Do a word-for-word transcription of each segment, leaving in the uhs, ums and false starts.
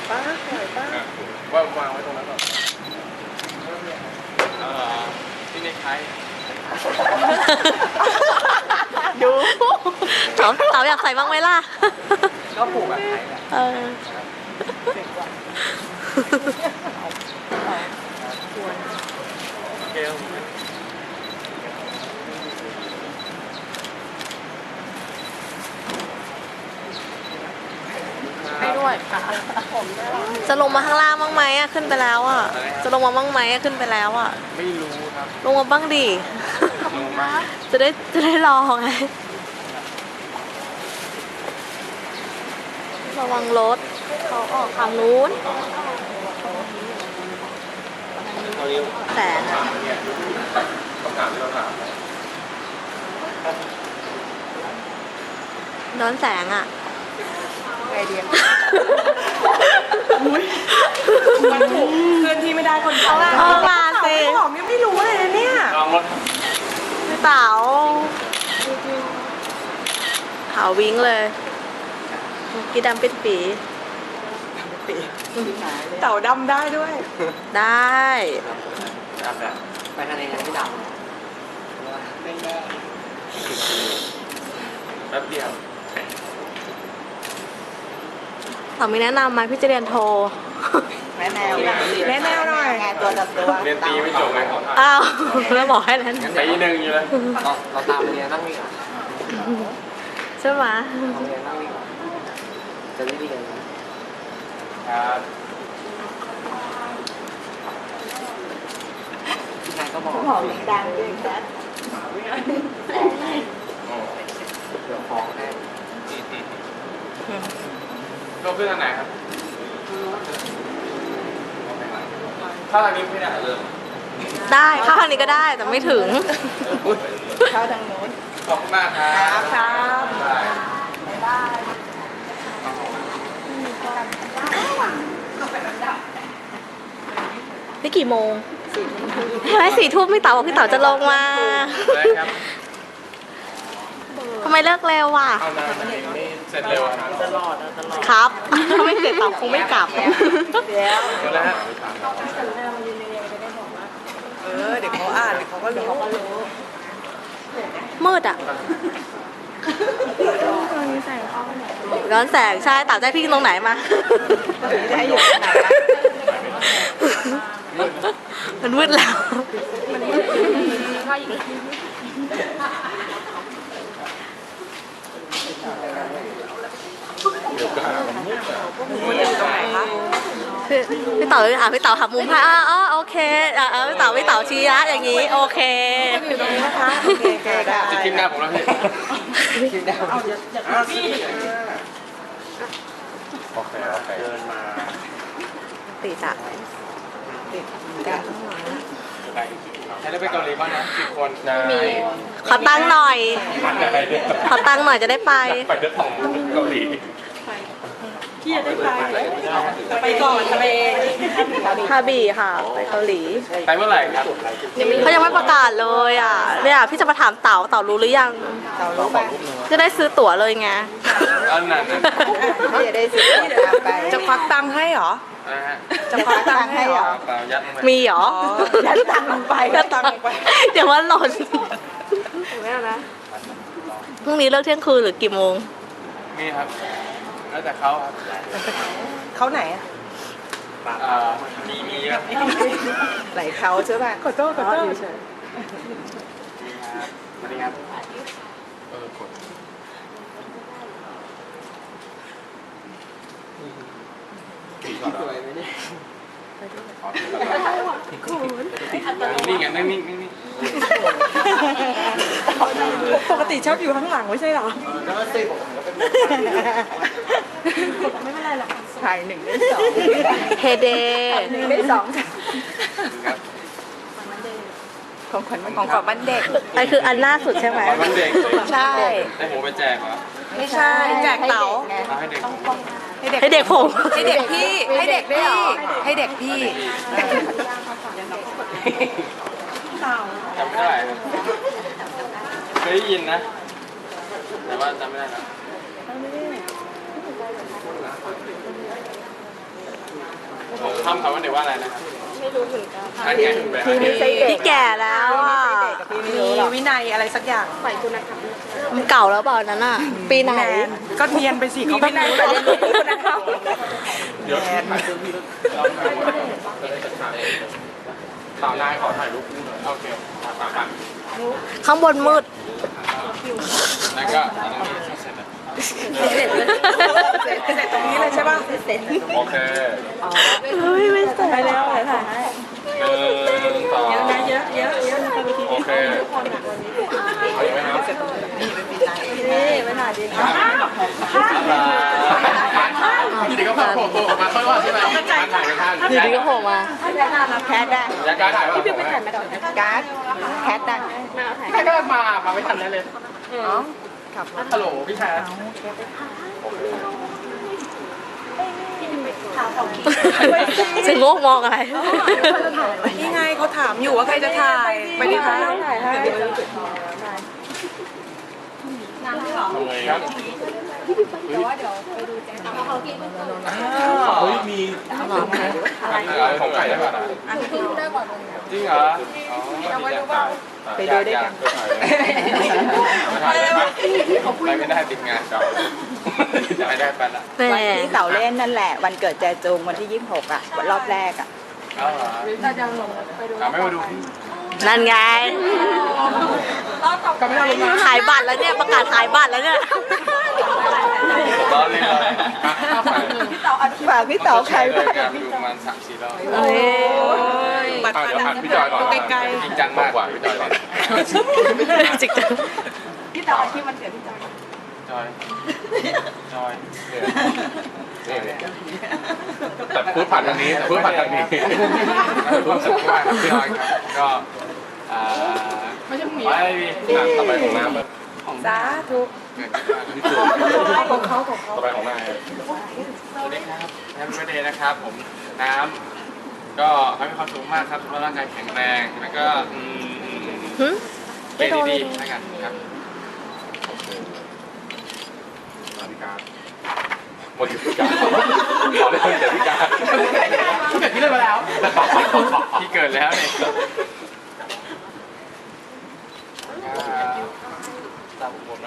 ป้าปล่อยป้าว่าวางไว้ตรงนั้นก่อนเออที่ในไทยดูเต๋าเต๋าอยากใส่บ้างไหมล่ะก็ผูกแบบไทยแหละเออโอเคให้ด้วยจะลงมาข้างล่างบ้างไหมอะขึ้นไปแล้วอะจะลงมาบ้างไหมอะขึ้นไปแล้วอะไม่รู้ครับลงมาบ้างดิลงมาจะได้จะได้รอไงระวังรถเขาออกทางนู้นแสงอะคำถามที่เราถามย้อนแสงอะไอเดียมันถูกเพื่อนที่ไม่ได้คนเขาเออมาสิบอกยังไม่รู้เลยนะเนี่ยลองรถพี่เต๋าขาววิ่งเลยกีดำเป็นปีเต่าดำได้ด้วยได้ไปทะเลกันที่ดำแป๊บเดียวต่อมีแนะนำไหมพี่จะเรียนโทแม่แนวแม่แนวหน่อยตัวตัดตัวเรียนตีไม่จบเลยอ้าวแล้วบอกให้นั้นตีหนึ่งอยู่เลยเราตามเรียนนั่งวิ่งอ่ะใช่ไหมเราเรียนนั่งวิ่งจะได้เรียนครับพี่นายก็บอกบอกดังด้วยนะเดี๋ยวของให้เราขึ้นทางไหนครับถ้าทางนี้ไม่ได้เลยได้เข้าทางนี้ก็ได้แต่ไม่ถึงเข้าทางโน้นขอบคุณมากครับครับได้นี่กี่โมงใช่สี่ทุ่มพี่เต๋าบอกพี่เต๋าจะลงมาทำไมเลิกเร็วว่ะเอานานไม่เสร็จเร็วตลอดตลอดครับถ้าไม่เสร็จเต๋าคงไม่กลับเดี๋ยวเดี๋ยวนะฮะเออเดี๋ยวเขาอ่านเดี๋ยวเขาก็รู้มืดอ่ะย้อนแสงใช่เต๋าใจพี่ตรงไหนมาได้อยู่ไหนมันมืดแล้วมันมืดข้าอีกพี่เต๋ออ่ะพี่เต๋อหักมุมให้อ๋อโอเคอ่ะพี่เต๋อพี่เต๋อชี้ละอย่างนี้โอเคอยู่ตรงนี้นะคะโอเคได้จะคิดหน้าผมแล้วพี่คิดได้โอเคโอเคเดินมาติดอ่ะติดกันข้างหลังให้เราไปเกาหลีบ้างนะสิบคนมีขอตังค์หน่อยขอตังค์หน่อยจะได้ไปไปเดินของเกาหลีพี่จะได้ไปไปก่อนทะเลฮาบีค่ะไปเกาหลีไปเมื่อไหร่ครับเขายังไม่ประกาศเลยอ่ะเนี่ยพี่จะมาถามเต๋าเต๋ารู้หรือยังเต๋ารู้ไปจะได้ซื้อตั๋วเลยไงอันนั้นพี่จะได้ซื้อตั๋วไปจะควักตังค์ให้เหรอจะควักตังค์ให้เหรอมีเหรอยัดตังค์ลงไปยัดตังค์ลงไปเดี๋ยวว่าหล่นไม่เอานะพรุ่งนี้เลิกเที่ยงคืนหรือกี่โมงมีครับแล้วแต่เขาครับเขาไหนอ่ะมีมีเยอะไหนเขาใช่ป่ะขอโทษขอโทษเฉยสวัสดีครับเออกดสวยไหมเนี่ยนี่ไงนี่นี่นี่ปกติชอบอยู่ข้างหลังไม่ใช่หรอแล้วก็ตีผมไม่เป็นไรหรอกถ่ายหนึ่งได้สองเฮเดหนึ่งได้สองของขวัญของขวัญวันเด็กไอคืออันล่าสุดใช่ไหมวันเด็กใช่ให้ผมไปแจกเหรอไม่ใช่แจกเต๋าให้เด็กให้เด็กผมให้เด็กพี่ให้เด็กพี่ให้เด็กพี่จำไม่ได้เคยได้ยินนะแต่ว่าจำไม่ได้แล้วทำคำว่าเดี๋ยวว่าอะไรนะครับไม่รู้เหมือนกันพี่ไม่ใช่เด็กพี่แก่แล้วอ่ะพี่ไม่รู้หรอกวินัยอะไรสักอย่างมันเก่าแล้วเปล่านั้นอ่ะ ปีไหนแนนก็เนียนไปสิเขาไม่รู้แต่เรียนรู้คุณธรรมเดี๋ยวถ่ายรูปพี่เราจะได้จัดฉากเองสาวนายขอถ่ายรูปคู่หน่อยโอเคสามพันข้างบนมืดนั่นก็อันนี้เสร็จแล้วเสร็จเสร็จตรงนี้เลยใช่ป่ะเสร็จโอเคเฮ้ยไม่ใส่ไปแล้วถ่ายถ่ายให้หนึ่งสองเยอะนะเยอะเยอะเยอะนะคะวิธีโอเคเอาอีกไหมครับนี่ไปถ่ายดีนะอยู่ดีก็โผล่โผล่ออกมาค่อยว่าใช่ไหมการถ่ายไปข้างอยู่ดีก็โผล่มาแคทได้อยากการถ่ายพี่ไปถ่ายการ์ดแคทได้แค่ก็มา มาไม่ทันแล้วเลยอ๋อขับรถฮัลโหลพี่แพทเสียงโงกมองอะไรนี่ไงเขาถามอยู่ว่าใครจะถ่ายไปดิคะทำไงครับเฮ้ยมีของไก่ได้ป่ะจริงเหรอไปดูด้วยกันไปไม่ได้ติดงานเก่าจะไม่ได้ไปละแม่วันที่เสาเล่นนั่นแหละ วันเกิดแจจูงวันที่ยี่สิบหกอ่ะวันรอบแรกอ่ะเอาเหรอเอาไม่มาดูพี่นั่นไงก็ไม่ได้ลงมาขายบัตรแล้วเนี่ย ประกาศขายบัตรแล้วเนี่ยร้อนเลยเลยข้าวไฟฝากพี่เต๋อใครเลบ้าย งกันดูประมาณสามสี่รอบเฮ้ยบัตรเดี๋ยวหัดพี่จอยก่อนไกลจริงจังมากกว่าพี่จอยก่อนจิกจังพี่เต๋อที่มันเกิดพี่จอยจอย จอยเนี่ยแต่พูดผ่านทางนี้แต่พูดผ่านทางนี้รู้สึกว่าครับพี่จอยครับก็อ่าไม่ใช่มีไม่มีงานต่อไปของน้ำของๆสาธุพี่จูนของเขาของเขาต่อไปของนายสวัสดีครับแฮปปี้เบิร์ธเดย์นะครับ ผมน้ำก็ให้มีความสุขมากครับสุขภาพร่างกายแข็งแรงแล้วก็อืมหึเกรดดีๆแล้วกันครับสวัสดีครับโมดิฟิกาขอเล่นเดี๋ยวพี่กาพี่เกิดที่เล่นมาแล้วพี่เกิดแล้วเนี่ยตามผมนะ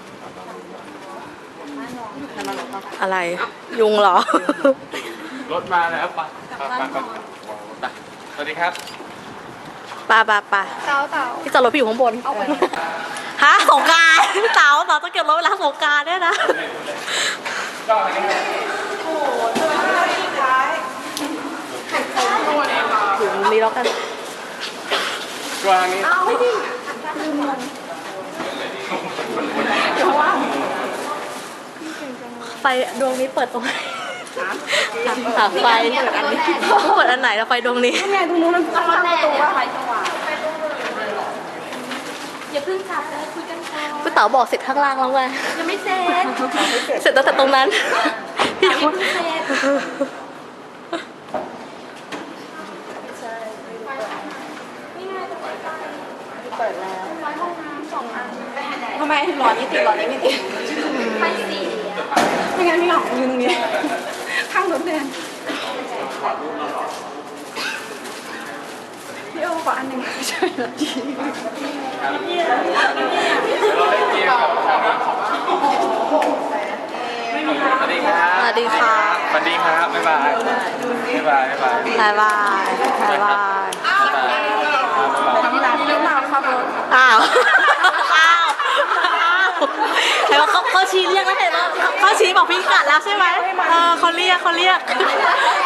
อะไร ยุงเหรอรถมาแล้วไปไปไปไปสวัสดีครับปาปาปาเต๋าเต๋าพี่จอดรถพี่อยู่ข้างบนฮะสงกรานต์เต๋าเต๋าต้องเก็บรถเวลาสงกรานต์เนี่ยนะก็อันนี้ถึงนี้แล้วกันก็อันนี้ไฟดวงนี้เปิดตรงไหนหาไฟเปิดอันไหนแล้วไฟดวงนี้อย่าเพิ่งจับเลยคุยกันก่อนพี่เต๋าบอกเสร็จข้างล่างแล้วไงยังไม่เสร็จเสร็จตั้งแต่ตรงนั้นพี่ยังว่าไม่เสร็จทำไมหลอดนี้ติดหลอดนี้ไม่ติดไฟสีอะไม่งั้นพี่หลอกยืนตรงนี้ข้างรถแดงพี่โอ้ขออันหนึ่งใช่หรอจีเราได้เกียร์กับชาวบ้านสวัสดีครับสวัสดีค่ะสวัสดีครับบ๊ายบายบ๊ายบายบ๊ายบายบายบายบายบายทำร้านที่มาขับรถอ้าว อ้าว อ้าวเห็นว่าเขาเขาชี้เรียกแล้วเห็นว่าเขาชี้บอกพี่กัดแล้วใช่ไหมเออเขาเรียกเขาเรียก